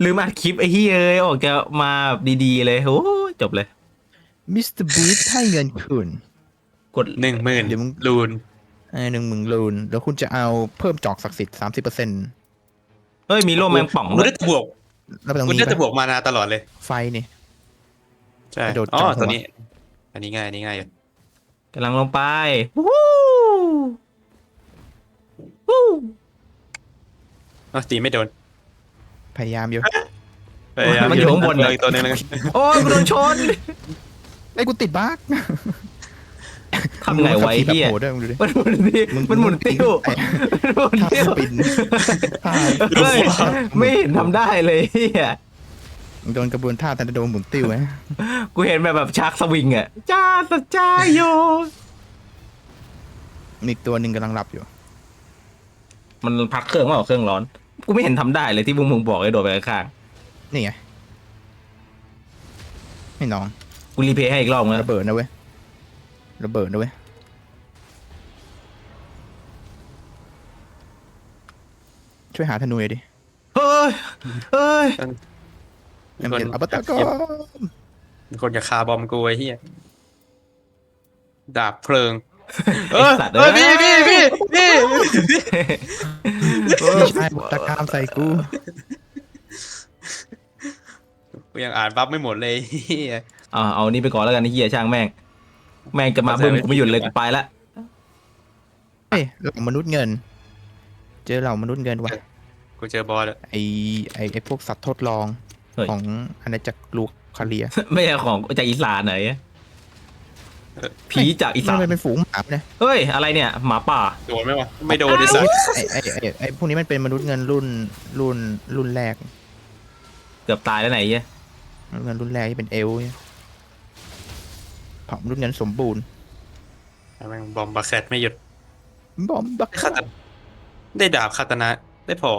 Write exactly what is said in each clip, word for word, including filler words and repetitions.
ลืมอัดคลิปไอ้เฮ้ยเอ้ยออกจะมาแบบดีๆเลยโอ้จบเลยมิสเตอร์บีสให้เงินคุณกดหนึ่งหมื่นเดี๋ยวมึงลูนเออหนึ่งหมื่นลูนแล้วคุณจะเอาเพิ่มจอกศักดิ์สิทธิ์สามสิบเปอร์เซ็นต์เฮ้ยมีโล่แมงป่องกูด้วยได้จะบวกแล้วไปตรงกูนี้ได้จะบปะวกมานาตลอดเลยไฟนี่ใช่กระโดดอ๋อจับหัวตัวนี้ อันนี้ง่ายอันนี้ง่ายอยู่กำลังลงไปวู้วู้อ๋อตีไม่โดนพยายามอยู่พยายามมันอยู่ข้างบนเลเลยยตัวนึงเลยโอ้ยกูโดนชนไอ้ยกูติดบั๊กทำไงไวะไอ้แบบเฮียโหดด้วยมึงดูดิมันหมุนติ้วมึงมันหมุนติ้วมึงมันหมุนท่าติ้วสปินท่าเฮ้ยไม่เห็นทำได้เลยเฮียมึงโดนกระบวนท่าทันโดนหมุนติ้วไหมกูเห็นแบบแบบชักสวิงอ่ะจ้าสจ้าโยมีอีกตัวหนึ่งกำลังหลับอยู่มันพักเครื่องว่าเครื่องร้อนกูไม่เห็นทำได้เลยที่พวกมึงบอกไอ้โดดไปข้างนี่ไงให้น้องๆกูรีเพย์ให้อีกรอบนึงระเบิดนะเว้ยระเบิดนะเว้ยช่วยหาธนูหน่อยดิเฮ้ยเฮ้ยเอ็มเอ็นอัปตะกอมีคนจะคาบอมกูไอ้เหี้ยดาบเพลิงไอสัตว์เออพี่พี่พี่พี่ไม่ใช่ตะกามใส่กูกูยังอ่านบัฟไม่หมดเลยเหี้ยอ่าเอานี่ไปก่อนแล้วกันไอ้เฮียช่างแม่ง แม่งจะมาบึ้มกูไม่หยุดเลยกูไปละเฮ้ยเหล่ามนุษย์เงิน เจอเหล่ามนุษย์เงินว่ะกูเจอบอสแล้วไอไอไอพวกสัตว์ทดลองเฮ้ยของอาณาจักรลูคาเลียไม่ใช่ของจากอีสานไหนผีจากอีสานมันเป็นฝูงหมาเนี่ยเฮ้ยอะไรเนี่ยหมาป่าโดนไหมวะไม่โดนดิสัสไอไอไอไอพวกนี้มันเป็นมนุษย์เงินรุ่นรุ่นรุ่นแรกเกือบตายแล้วไหนเฮียมนุษย์เงินรุ่นแรกที่เป็นเอลเนี่ยเผ่ามนุษย์เงินสมบูรณ์แม่งบอมบาแคทไม่หยุดบอมบักได้คาตาได้ดาบคาตานะได้พอ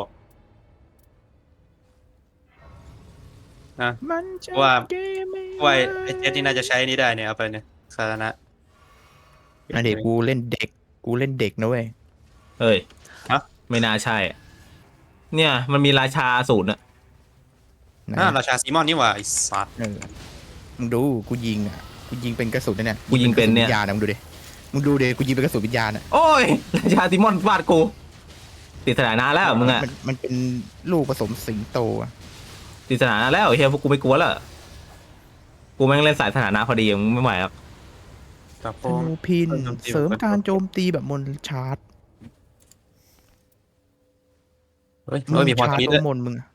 นะมันจะว่าเกมไม่ว่าไอ้เจ็ตนี่น่าจะใช้นี่ได้เนี่ยเอาไปเนี่ยคาตานะอันเด็กกูเล่นเด็กกูเล่นเด็กนะเว้ยเฮ้ยฮะไม่น่าใช่อะเนี่ยมันมีราชาสูตรอะไหนอ่าราชาซีมอนนี่หว่าไอ้สัตว์เออมึงดูกูยิงอ่ะกูยิงเป็นกระสุนนะเนี่ยกูยิงเป็นเนี่ยวิญญาณอะมึงดูดิมึงดูดิกูยิงเป็นกระสุนวิญญาณอ่ะโอ้ยราชาติมอนฟาดกูติดสถานะแล้วมึงอะมันมันเป็นลูกผสมสิงโตอะติดสถานะแล้วเฮียพวกกูไม่กลัวแล้วกูแม่งเล่นสายสถานะพอดีมึงไม่ไหวครับแต่พธอนูพินโจมตีเสริมการโจมตีแบบมนชาร์จเฮ้ยเฮ้ยมีพอชาทีร์จด้วยมนต์มึงอะ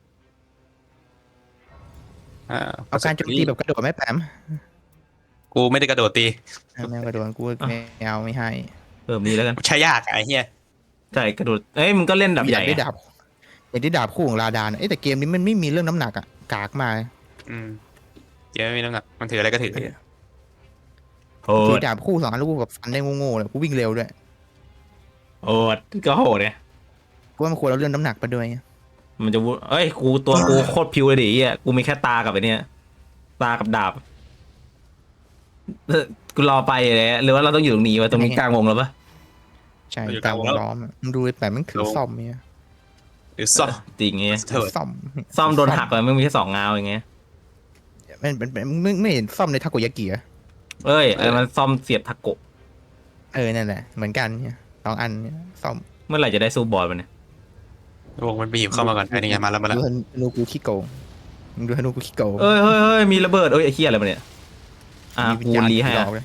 อ่าเอาการโจมตีแบบกระโดดไม่แปมกูไม่ได้กระโดดตีแมวกระโดดกูไม่เอาไม่ให้เพิ่มนี้แล้วกันใช้ยากอะไอ้เหี้ยใช่กระโดดเอ้ยมึงก็เล่นดับอใหยาญ่กได้ดาบอยากได้ดาบคู่ของลาดานเอ้ยแต่เกมนี้มันไม่มีเรื่องน้ำหนักอ่ะกากมาอืมเดี๋ยวไม่มีน้ำหนักมันถืออะไรก็ถือโหถือดดาบคู่สองอันแล้วกูแบบฟันได้โง่ๆเลยกูวิ่งเร็วด้วยโหดก็โหดเนี่ยกูว่ามันควรเอาเรื่องน้ำหนักไปด้วยมันจะวุเอ้ยกูตัวกูโคตรพิวเลยดิเฮียกูมีแค่ตากับไอ้เนี่ยตากับดาบเออกูรอไปเลยหรือว่าเราต้องอยู่ตรงนี้วะตรงนี้กลางวงแล้วปะใช่กลางวงล้อมอะมึงดูแต่มันถือซ่อมเนี่ยหรือซ่อมจริงเงี้ยเถิดซ่อมซ่อมโดนหักไปมึงมีแค่สองเงาอย่างเงี้ยมันเป็นเป็นไม่ไม่เห็นซ่อมในทาโกยากิอะเอ้ยไอ้มันซ่อมเสียบทาโกะเออนั่นแหละเหมือนกันเนี่ยสองอันเนี่ยซ่อมเมื่อไหร่จะได้สู้บอลมันเนี่ยวงมันบีบเข้ามาก่อนไอ้นี่ไงมาแล้วมาแล้วดูธนูกูขี้โกงมึงดูธนูกูขี้โกงเอ้ยเฮ้ยเฮ้ยมีระเบิดเอ้ยไอ้เหี้ยอะไรมาเนี่ยอ่ะมีกูวิญญาณรีให้หลอ่ะอกเลย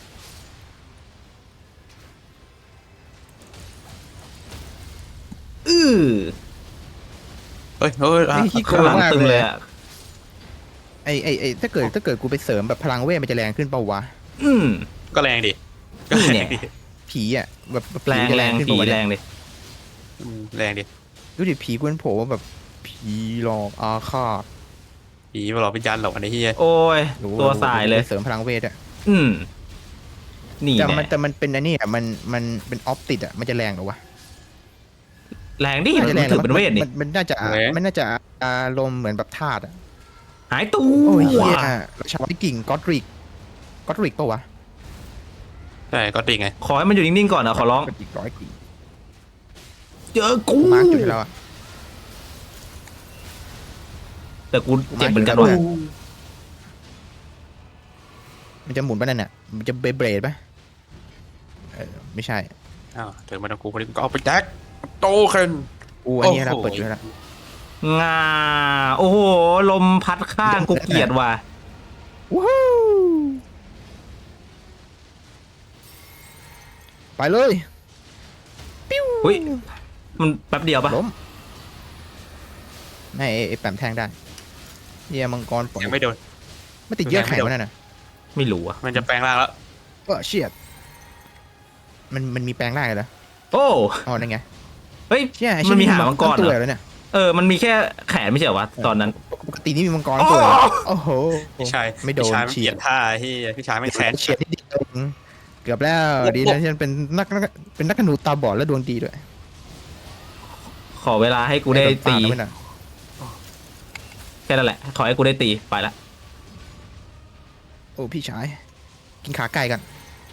อื้อเฮ้ยเฮ้ยอ่ะไอ้ขี้โกข้างงหลังมากตึงเลเลย ยอ่ะไอ้ไอ้ไอ้ถ้าเกิดถ้าเกิดกูไปเสริมแบบพลังเวทมันจะแรงขึ้นเปล่าวะอืมก็แรงดิก็นี่แรเนี่งยดิผีอ่ะแบบแบบแรงผีจะแรแรงงขึ้นผีเปล่าวะแรเนี่ยงดิอืมแรงดิดูดิผีกูเป็นโผล่ว่าแบบผีหลอกอาฆาตผีมาหลอกวิญญาณหลอกอันนี้เหี้ยโอ้ยหรือตัวสายเลยเสริมพลังเวทอ่ะอืมนี่แต่แน่มันแต่มันเป็นอันนี้อ่ะมันมันเป็นออฟติดอ่ะมันจะแรงเหรอวะแรงดิน่ามันจะแรงถือเป็นเวทนี่มันมันน่าจะมันน่าจะอารมณ์เหมือนแบบธาตุอ่ะหายตัวโอ้ยเฮียราชาวิกิ่งก็อดริกก็อดริกปะวะใช่ก็ติไงขอให้มันอยู่นิ่งๆก่อนนะขอร้องก็อีกร้อยกิ่งเจอกูมาร์กอยู่ที่เราอ่ะแต่กูเจ็บเหมือนกันว่ะมันจะหมุนไปนั่นน่ะมันจะเบเบรดปะเออไม่ใช่อ้าวถึงมาตรงกูพอดีก็เอาไปแจ็คโตขึ้นอูอันนี้เราโอ้โหเปิดอยู่แล้วงาโอ้โหลมพัดข้างกูเกลียดว่ะวู้ฮู้ไปเลยปิ้วอุ้ยมันแป๊บเดียวปะล้มไม่ไอ้ไอ้แปมแทงได้เฮียมังกรปล่อยยังไม่โดนไม่ติดเยื่อแข็งวะนั่นน่ะไม่รู้อ่ะมันจะแปลงร่างแล้วก็เชียดมันมันมีแปลงได้เหรอโอ้อ๋อนั่นไงเฮ้ยเชี่ยไอ้มันมีเชี่ยหางมังกรตัวเหรอแล้วเนี่ยเออมันมีแค่แขนไม่ใช่เหรอวะตอนนั้นปกตินี่มีมังกรตัวเหรอโอ้โหพี่ชายไม่โดนพี่ชายมันเฉีเปยลี่ยนท่าที่พี่ชายไม่แค้นเฉียดนิดเดียวเองเกือบแล้วโอ้โหดีนะที่ฉันเป็นนักนักเป็นนักธนูตาบอดและดวงดีด้วยขอเวลาให้กูได้ตีโนฟาดเอาว้หน่อยแค่นั้นแหละขอให้กูได้ตีไปละโอ้พี่ชายกินขาไก่กัน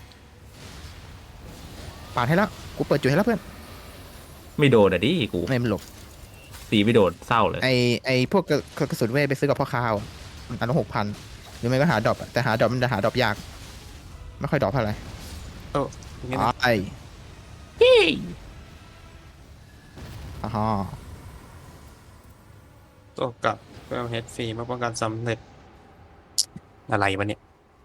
ปาดให้แล้วกูเปิดจุดให้แล้วเพื่อนไม่โดนอ่ะดิกูไม่มันหลบตีไม่โดนเศร้าเลยไอไอพวกกระกระสุนเวทไปซื้อกับพ่อค้าเอาอันละหกพันหรือไม่ก็หาดรอปอะแต่หาดรอปมันจะหาดรอปยาก ไม่ค่อยดรอปเท่าไหร่อย่างงี้นะไออ่าฮะตัวกลับเพิ่มเฮดฟรีเมื่อป้องกันสำเร็จอะไรวะเนี่ย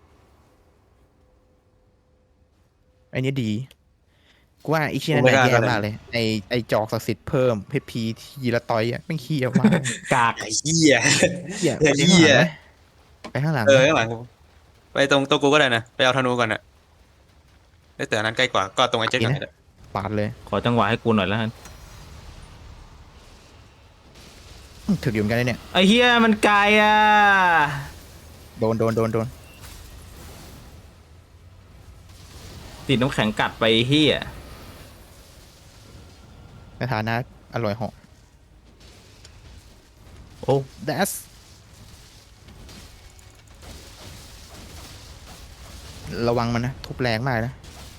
ไอเนี้ยดีกูว่าไอเชี่ยนั่นแหละแย่มากเลยไอไอจอกศักดิ์สิทธิ์เพิ่มเพชรพีทีละต่อยอ่ะไม่งขี้ออกมากกากไอ้เหี้ยเหี้ยไอ้เหี้ยไปข้างหลังเอไหมอข้างหลังกูไปตรงตัวกูก็ได้นะไปเอาธนูก่อนนะเอ้ยแต่อันนั้นใกล้กว่าก็ตรงไอ้เจ๊ก่อนก็ได้ปาดเลยขอจังหวะให้กูหน่อยแล้วกันอืมถึกอยู่เหมือนกันเลยเนี่ยไอ้เฮียมันไกลอ่ะโดนโดนโดนโดนติดน้ำแข็งกัดไปเฮียในฐานะอร่อยเหาะโอ้ That's ระวังมันนะ ทุบแรงมากนะ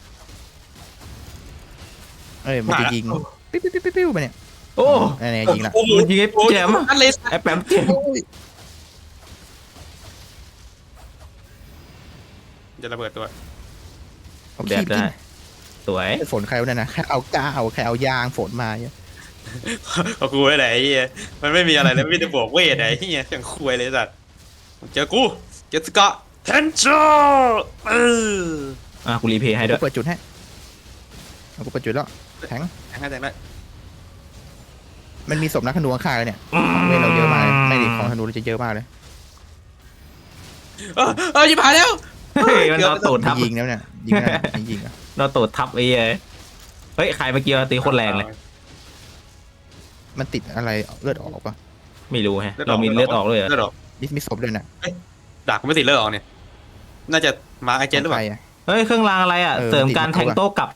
เอ้ย มันจะยิง ปิ๊บปิ๊บปิ๊บปิ๊บปิ๊บไปเนี่ยโอ้นี่นยิงละโอ้โหมันยิงไอ้แจมอะอันเลยไอ้แปมเจ็บจะระเบิดตัวเอาแดขี้ดไปได้กินสวยฝนใครวะเนี่ยนะแค่เอาก้าเอาใครเอายางฝนมาเนี่ยเอากูไว้ไหนไอ้เหี้ยมันไม่มีอะไรแล้วมีแต่บวกเวทไอ้เหี้ยอย่างคุยเลยสัตว์เจอกูเจสกะเทนโชเอออ่ะกูรีเพย์ให้ด้กูวยเปิดจุดให้เอากูเปิดจุดแล้วแทงแทงให้แทงได้มันมีศพนักธนูข้างๆเลยเนี่ยเว้ยเราเยอะมากเลยไม่ดิของธนูเราจะเยอะมากเลยเออเออยิบหายแล้วเฮ้ยมันเอาตูดทับยิงแล้วเนี่ยยิงแล้วเนี่ยยิงอ่ะเราตูดทับไอ้เหี้ยเฮ้ยใครเมื่อกี้ตีโคตรแรงเลยมันติดอะไรเลือดออกปะไม่รู้ฮะเรามีเลือดออกเลยเหรอเลือดออกมีมีศพด้วยน่ะดาบกูไม่ติดเลือดออกเนี่ยน่าจะมาไอเจนหรือเปล่าใคอ่ะเฮ้ยเครื่องรางอะไรอ่ะเออเสริมการติดแทงโต้กลับ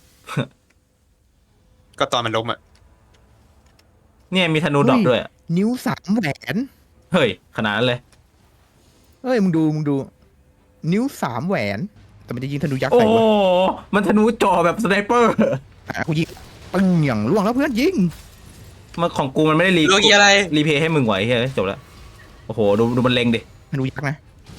ก็ตอนมันล้มอ่ะเนี่ยมีธนูดรอปด้วยอะนิ้วสามแหวนเฮ้ยขนาดนั้นเลยเฮ้ยมึงดูมึงดู นิ้วสามแหวน แต่มันจะยิงธนูยักษ์โอ้ใส่โหวะมันธนูจ่อแบบสไนเปอร์อ่ะกูยิงปึ้งอย่างล่วงแล้วเพื่อนยิงมันของกูมันไม่ได้รีโลกีอะไรรีเพย์ให้มึงไหวเฮ้ยจบแล้วโอ้โหดูดูมันเล็งดิธนูยักษ์นะ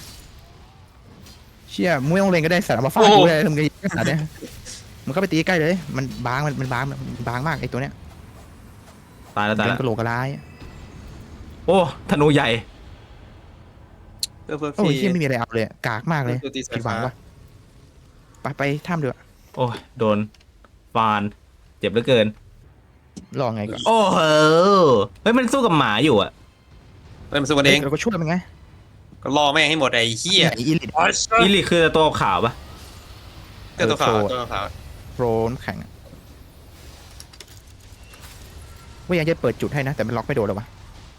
เชี่ยมึงไม่ต้องเล็งก็ได้สารมาฟาดกูเลยมึงจะยิงขนาดเนี้ยมึงก็ไปตีใกล้เลย มันบางมันมันบางมันบางมากไอ้ตัวเนี้ยตายแล้วตายเป็แล้วนกระโหลกกระลายโอ้ธนูใหญ่เพื่อเพื่อโอ้ยพี่เชี่ยไม่มีอะไรเอาเลยกากมากเลยตัวตีสาผิยดหวัฟ้างปะไปไปถ้ำเดือโอ้ยโดนฟานเจ็บเหลือเกินรอไงก่อนโอ้โหเฮ้ยมันสู้กับหมาอยู่อ่ะเฮ้ยมันสู้กันเองเราก็ช่วยมันไงก็ล่อแม่งให้หมดไอ้เหี้ยไอ้อีลิทอีลิคือตัวขาวปะเจ้าตัวขาวตัวขาวโปรนแข่งอะว่ายังจะเปิดจุดให้นะ แต่มันล็อกไม่โดนหรอวะ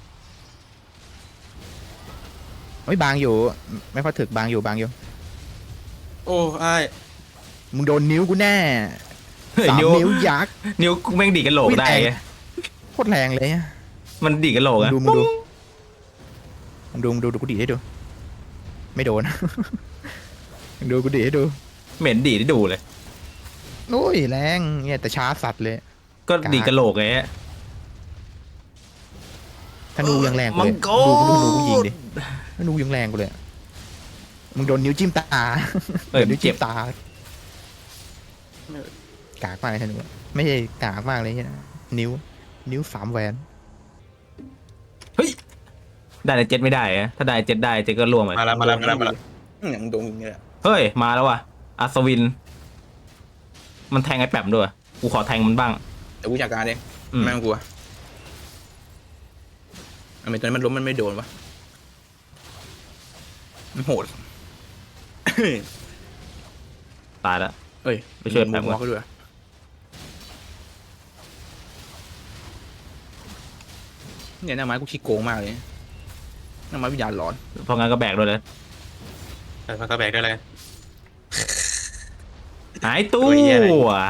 โอ้ยบางอยู่ ไม่ค่อยถึกบางอยู่บางอยู่โอ้ไอ้มึงโดนนิ้วกูแน่เฮ้ยสามนิ้วนิ้วยักษ์นิ้วกูแม่งดีดกันโหลกได้ไงโคตรแรงเลยอะมันดีดกันโหลกมึงอะดูมึงดูมึงดูมึงดูดูกูดีดให้ดู ไม่โดน มึงดูกูดีดให้ดูเหม็นดีดได้ดูเลยโอ้ยแรงเนี่ยแต่ช้าสัตว์เลยก็ดีดกันโหลกไงฮะไธนูยังแรงกูมัเลงยกดูดูดูรกูยิงดิธนูยังแรงกูเลยมึงโดนนิ้วจิ้มตาเอ้ยโดนนิ้วเจ็จิ้บมตา กากมากเลยธนูอะไม่ใช่กากมากเลยเนี่ยนิ้ว นิ้วสามแหวนเฮ้ยได้แต่เจ็ดไม่ได้อะถ้าได้เจ็ดได้เจ็ดก็ล่วงไปมาแล้วมาแล้วมาแล้วมาแล้วอย่างโดนมึงเนี่ยเฮ้ยมาแล้วว่ะอัศวิน มันแทงไอ้แปมด้วยกูขอแทงมันบ้างแต่กูจัดการเองอืมไม่ต้องกลัวทำไมตอนนั้นมันล้มมันไม่โดนวะมันโหดตายแล้วเอ้ยไปช่วยมุแปมมมก่ออนเขาด้วยเนี่ยหน้าไม้กูขี้โกงมากเลยหน้าไม้วิญญาณหลอนเพราะงั้นก็แบกด้วยเลยเออมันก็แบกได้เลยหายตู้ตัวเหี้ยอะไร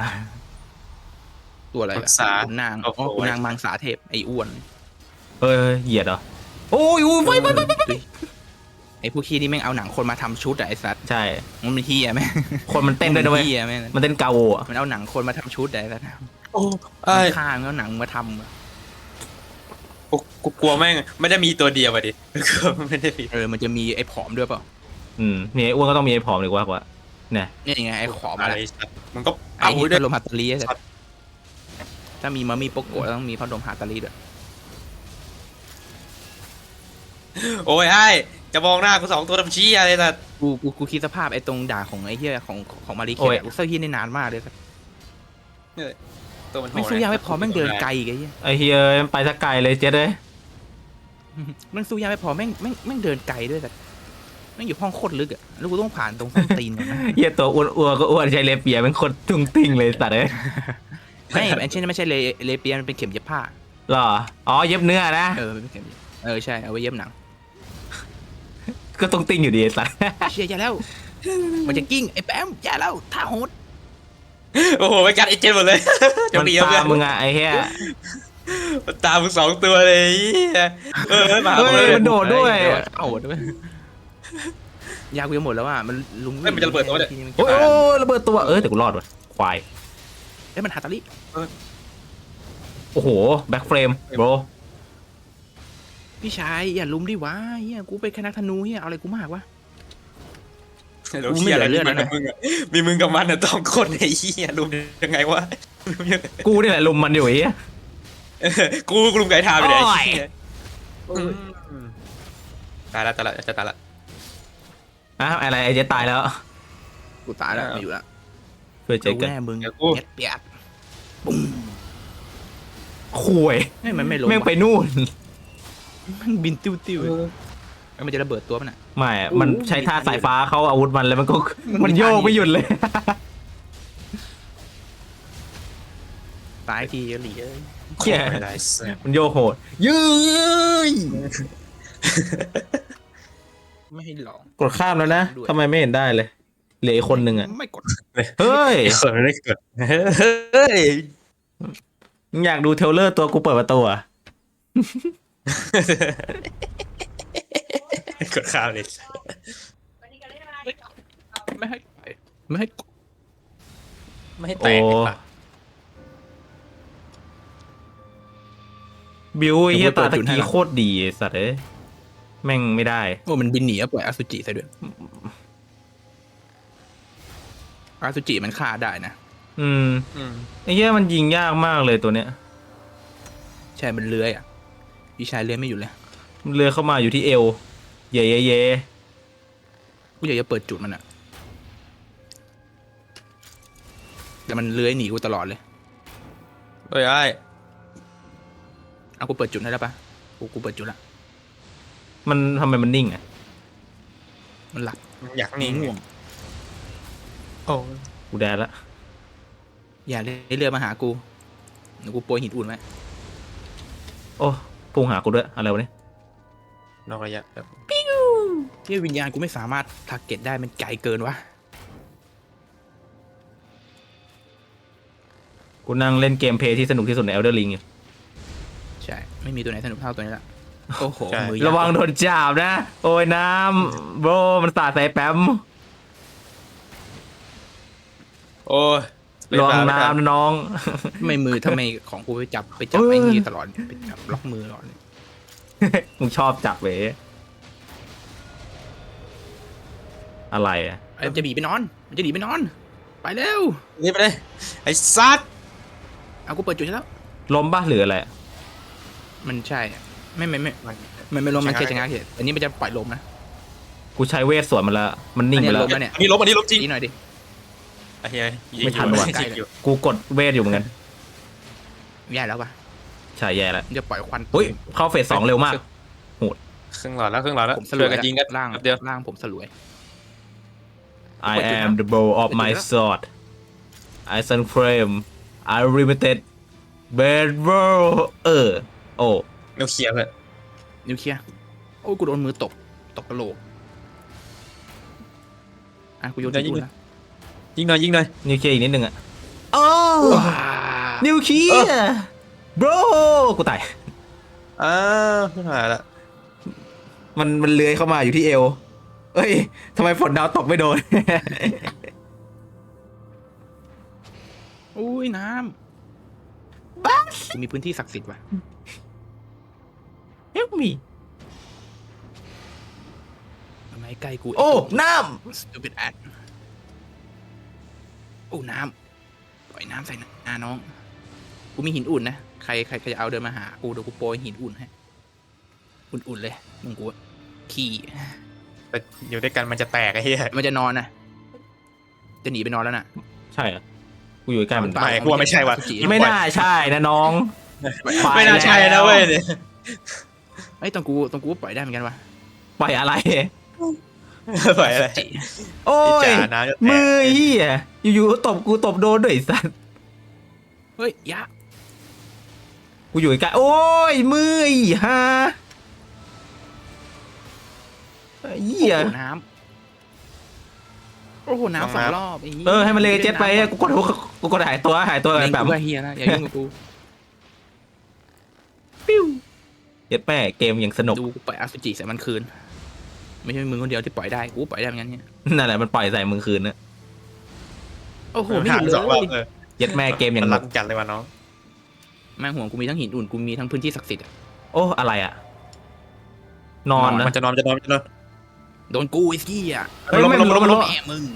ตัวอะไรมัล่ะงสาขุนนางโอ้อ๋อโหขุนนางมังสาเทพไอ้อ้วนเฮ้ยเหยียดเหรอโอ้ยอุ้ยไฟไฟไฟเออไอ้พวกขี้นี่แม่งเอาหนังคนมาทำชุดอะไอ้สัตว์ใช่มันเป็นเฮียแม่งคนมันเต้นด้วยนะเว้ยเฮียแม่งมันเต้นเกาอ่ะมันเอาหนังคนมาทำชุดอะไอ้สัตว์โอ้ไอ้ข้างเอาหนังมาทำอะกูกูกลัวแม่งไม่ได้มีตัวเดียวอะดิกลัวไม่ได้มีเออมันจะมีไอ้ผอมด้วยเปล่าอืมมีไอ้อ้วนก็ต้องมีไอ้ผอมดีกว่ากว่าเนี่ยเนี่ยไงไอ้ผอมอะอะไรไรสัตว์มันก็ไอ้เอาที่ด้วพัยดลมฮัตตาลีไอ้สัตครับว์ถ้ามีมามีโปโกะต้องมีพัดลมฮัตตาลีด้วยโอ้ยไอ้จะมองหน้ากูสองตัวทำชี้อะไรสัตว์กูกูกูคิดสภาพไอ้ตรงด่าของไอ้เหี้ยของของมาริเคโอ้ยทกูเซอร์เฮียได้นานมากเลยสัตว์ตัวมันโหไม่ดสู้ยากไม่พอแม่งเดินไกลอีกไอ้เหี้ยไอ้เฮียมันไปสักไกลเลยเจ็ดเลยแม่งสู้ยากไม่พอแม่งแม่งแม่งเดินไกลด้วยสัตว์แม่งอยู่ห้องโคตรลึกอะแล้วกูต้องผ่านตรงส้นตีนก่อนนะเฮียตัวอ้วนอ้วนก็อ้วนใช้เลเปียเป็นคนตุ้งติ้งเลยสัตว์เอ้ยไม่ไอ้เช่นไม่ใช่เลเลเปียมันเป็นเข็มเย็บผ้าหรออ๋อเย็บเนื้อนะเออมันเป็นเข็มเย็บเออใช่เอาไว้เย็บหนังก็ตุ้งติ้งอยู่ดีไอ้สัตว์เชียอย่าแล้ว มันจะกิ้งไอ้แป๊มอย่าแล้วท่าโหดโอ้โหไปกัดไอ้เจนหมดเลยมันดีตามมึเพื่อนงอะไอ้เฮียมันตามมึงสองตัวเลยไอ้เหี้ยเออมาเฮ้ยเลยมันโดดด้วยท่าโหดด้วยยากูจะหมดแล้วอ่ะมันลุงเฮ้ยมันจะระเบิดตัวเนี่ยโอ้ยระเบิดตัวเออแต่กูรอดว่ะควายเอ้ยมันฮัตตาลีโอ้โหแบ็คเฟรมโบรพี่ชายอย่าลุมดิวะเฮียกูเป็นแค่นักธนูเฮียเอาอะไรกูมากวะเดี๋ยวเหี้ยอะไรมีมึงกับมึงอะมีมึงกับมันอะต้องคนไอ้เหี้ยรู้ยังไงวะกูนี่แหละลุมมันอยู่ไอ้เฮียเออกูกูลุมไก่ทาไปเลยโอ้ยไอ้เหี้ยอืมตายละตายละจะตายละอ่ะอะไรไอ้เจ๊ตายแล้วกูตายแล้วไม่อยู่แล้วเพื่อเจ๊รู้กันแน่มึงเดี๋ยวกูเย็ดเปียดปุ้มคุยเฮ้ยมันไม่ลงแม่งไปนู่นมันบินติ้วติ้วแล้วมันจะระเบิดตัวมันอ่ะไม่อะมันใช้ท่าสายฟ้าเข้าอาวุธมันแล้วมันก็มันมันโยกไม่หยุดเลยตายทีหลีเอ้ยเหี้ยไม่ได้สัสมันโยกโหดยืยไม่ให้ลองกดข้ามแล้วนะด้วยทำไมไม่เห็นได้เลยเหลืออีกคนหนึ่งอ่ะไม่กดเฮ้ยไอ้คนไม่ได้เกิดเฮ้ยมึงอยากดูเทรลเลอร์ตัวกูเปิดประตูอ่ะกดข้าวเลยไม่ให้ไม่ให้กดไม่ให้แตโอ้กเลยปะบิวไอ้เหี้ยตาตะกี้โคตรดีไอ้สัตว์เอ้ยแม่งไม่ได้โอ้มันบินหนีอะปล่อยอสุจิใส่ด้วยอสุจิมันฆ่าได้นะอืมอืมไอ้เหี้ยมันยิงยากมากเลยตัวเนี้ยใช่มันเลื้อยอ่ะพี่ชายเลื้อยไม่อยู่เลยมันเลือยเข้ามาอยู่ที่เอว เย่เย่เย่กูอยากจะเปิดจุดมันอ่ะแต่มันเลื้อยหนีกูตลอดเลยเฮ้ยไอ้เอากูเปิดจุดได้แล้วปะกูกูเปิดจุดละมันทำไมมันนิ่งอ่ะมันหลับอยากหนีนิ่งง่วงโอ้กูแดดละอย่าเลื้อยเรือมาหากูเดี๋ยวกูโปรยหินอุ่นไว้โอ้พุ่งหากูด้วยอะไรวะเนี่ยนอกระยะแบบที่วิญญาณกูไม่สามารถทาร์เก็ตได้มันไกลเกินวะกูนั่งเล่นเกมเพลย์ที่สนุกที่สุดใน Elder Ring อยู่ใช่ไม่มีตัวไหนสนุกเท่าตัวนี้ละโอ้โหมือระวังโดนจับนะ โอ้ยน้ำโบรมันสาดใส่แป๊มโอ้ยระวังน้ำนะน้องไม่มือทำไมของกูไปจับไปจับไอ้นี่ตลอดไปจับล็อกมือตลอดเลยมึงชอบจับเว้ยอะไรอะไอ้มันจะหนีไปนอน มันจะหนีไปนอน ไปเร็วนี่ไปเลยไอ้ซัดเอากูเปิดจุดให้แล้วล้มป่ะหรืออะไรมันใช่อะไม่ไม่ไม่มันมันไม่ลมมันแค่จะง้างเฉยอันนี้มันจะปล่อยลมนะกูใช้เวทสวนมันแล้วมันนิ่งไปแล้วอันนี้ล้ม เนี่ยอันนี้ลบอันนี้ลบจริงดีหน่อยดิไอ้เหี้ยยิงไม่ทันอยู่ว่ะยิงอยู่กูกดเวทอยู่เหมือนกันแย่แล้วปะใช่แย่แล้วมันจะปล่อยควันอุ้ยเข้าเฟสสองเร็วมากครึ่งหลอดแล้วครึ่งหลอดแล้วผมสลช่ววย ยกันยิงกันล่างแป๊บเดียวล่างผมสลวย I am the bow of my sword Iron Frame Unlimited Bad Bow เออโอ้นิวเคลียร์เพื่อนนิวเคลียร์โอ้ยกูโดนมือตกตกกระโหลกอ่ะกูโยนทิ้งกูนะยิงหน่อยยิงหน่อยนิวเคลียร์อีกนิดนึงอะโอ้ว้านิวเคลียร์ bro กูตายอ้าวขึ้นมาละมันมันเลื้อยเข้ามาอยู่ที่เอว เอ้ยทำไมฝนดาวตกไม่โดนอุ้ยน้ำบ้ากูมีพื้นที่ศักดิ์สิทธิ์ว่ะ Help me ทำไมใกล้กูโอ้ น้ stupid ad โอ้น้ำปล่อยน้ำใส่หน้าน้อง กูมีหินอุ่นนะ ใครใครใครจะเอาเดินมาหากูเดี๋ยวกูโปรยหินอุ่นให้ อุ่นๆเลยมึงกูอะขี้แต่อยู่ด้วยกันมันจะแตกไอ้เหี้ยมันจะนอนนะจะหนีไปนอนแล้วน่ะำใช่เหรอกูอยู่ใกล้มันปไม่กูว่าไม่ใช่ว่ะไม่น่าใช่นะน้องไม่น่าใช่นะเว้ยเนี่ยไอ้ยตรงกูตรงกูปล่อยได้เหมือนกันวะปล่อยอะไรปล่อยอะไรจิโอ้ไอ้ยจ๋าน้ำจะแตกมือเหี้ยอยู่ๆก็ตบกูตบโดนด้วยไอ้สัสเฮ้ยยะกูอยู่ใกล้โอ้ยมือไอ้ห่าเหี้ยโอ้โหน้ำโอ้โหน้ำสองรอบไหี้ยเออให้มันเลยเจ็ตไปอะกูกดกูกดหายตัวหายตัวเล่กัน นแบบกูว่าเฮียนะอย่ายุ่งกับกูปิ้วเจ็ตแม่เกมอย่างสนุกดูกูปล่อยอสุจิใส่มันคืน ไม่ใช่มึงคนเดียวที่ปล่อยได้กูปล่อยได้เหมือนกันเนี่ยนั่นแหละมันปล่อยใส่มึงคืนนะโอ้โหไม่หหายุดสองรอบเลยเออเจ็ตแม่เกมอย่างมันหรันุกกจัดเลยว่ะน้องแม่งห่วงกูมีทั้งหินอุ่นกูมีทั้งพื้นที่ศักดิ์สิทธิ์อะโอ้อะไรอะนอนนะมันจะนอนมันจะนอนมันจะนอนโดนกูไอ้กี้อ่ะเฮ้ยลงไม่ลงลงลลงงแม่มึง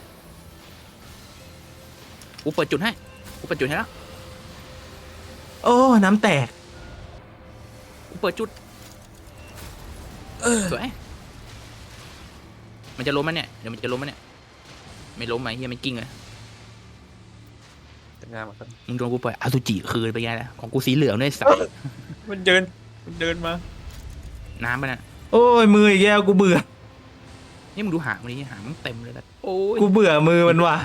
กูเปิดจุดให้กูเปิดจุดให้แล้วโอ้น้ำแตกกูเปิดจุดสวยมันจะล้มมั้ยเนี่ยเดี๋ยวมันจะล้มมั้ยเนี่ยไม่ล้มไหมเฮียมันกิ้งเลยแต่งานมันมึงโดนกูปล่อยอสุจิคืนไปไงนะของกูสีเหลืองด้วยสัสมันเดินมันเดินมาน้ำมันอ่ะโอ้ยมืออีกแล้วกูเบื่อนี่มึงดูหางมันนี่หางมันเต็มเลยนะโอ้ยกูเบื่อมือมันว่ะ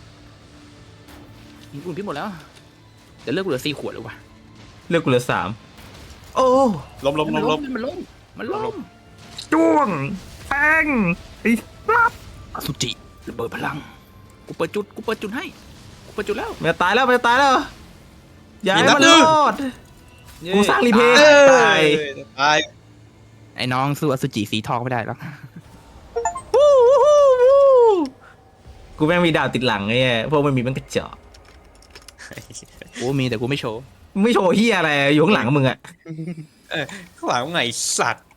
หินอุ่นพี่หมดแล้วเดี๋ยวเลิกเหลือสี่ขวดเลยว่ะเลือกกูเหลือสามโอ้ล้มล้มล้มล้มมันล้มมันล้มจ้วงแทงไอ้ปั๊บอสุจิระเบิดพลังกูเปิดจุดกูเปิดจุดให้กูเปิดจุดแล้วมันจะตายแล้วมันจะตายแล้วอย่าให้มันรอด กูสร้างรีเพย์เออตายตายไอ้น้องสู้อสุจิสีทองไม่ได้หรอกวู้วู้วู้วู้กูแม่งมีดาวติดหลังไงเนี่ยพวกมันมีมันกระจอกกูมีแต่กูไม่โชว์ไม่โชว์เฮียอะไรอยู่ข้างหลังมึงอะข้างหลังไงสัตว์